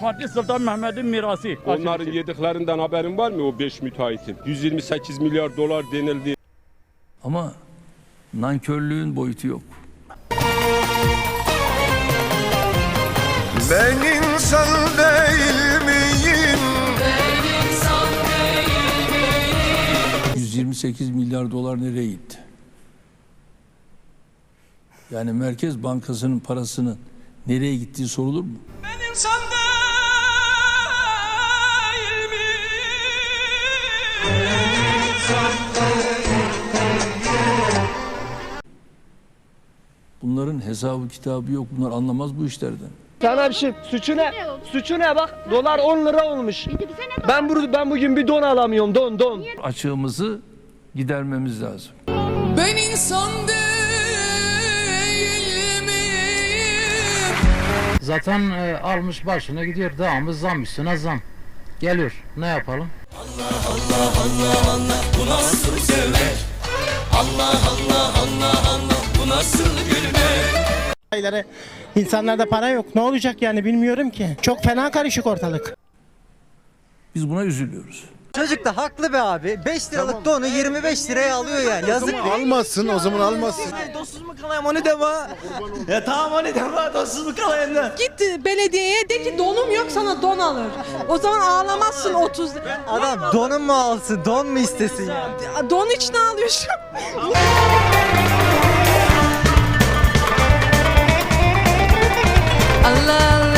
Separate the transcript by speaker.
Speaker 1: Fatih Sultan Mehmet'in mirası.
Speaker 2: Onların yediklerinden haberin var mı o 5 müteahhitin? 128 milyar dolar denildi.
Speaker 3: Ama nankörlüğün boyutu yok.
Speaker 4: Ben insan değil miyim?
Speaker 3: 128 milyar dolar nereye gitti? Yani Merkez Bankası'nın parasının nereye gittiği sorulur mu?
Speaker 5: Ben insan değil miyim?
Speaker 3: Bunların hesabı kitabı yok. Bunlar anlamaz bu işlerden.
Speaker 6: Sana bir şey, suçu ne? Suçu ne bak? Dolar 10 lira olmuş. Ben bugün bir don alamıyorum, don.
Speaker 3: Açığımızı gidermemiz lazım.
Speaker 5: Ben insan değil miyim?
Speaker 7: Zaten almış başına gidiyor, devamlı zam üstüne zam geliyor. Ne yapalım?
Speaker 5: Bu nasıl sevmek? Allah bu nasıl gülmek?
Speaker 8: İnsanlarda para yok. Ne olacak yani bilmiyorum ki. Çok fena karışık ortalık.
Speaker 3: Biz buna üzülüyoruz.
Speaker 9: Çocuk da haklı be abi. 5 liralık donu 25 liraya alıyor yani. Yazık değil.
Speaker 4: Almasın o zaman almasın.
Speaker 9: Dostsuz mu kalayım onu deme. Ya tamam onu deme. Dostsuz mu kalayım da.
Speaker 10: Git belediyeye de ki donum yok sana don alır. O zaman ağlamazsın 30 lira.
Speaker 9: Adam donun mu alsın? Don mu istesin ya?
Speaker 10: Don için ağlıyorsun.
Speaker 5: Allah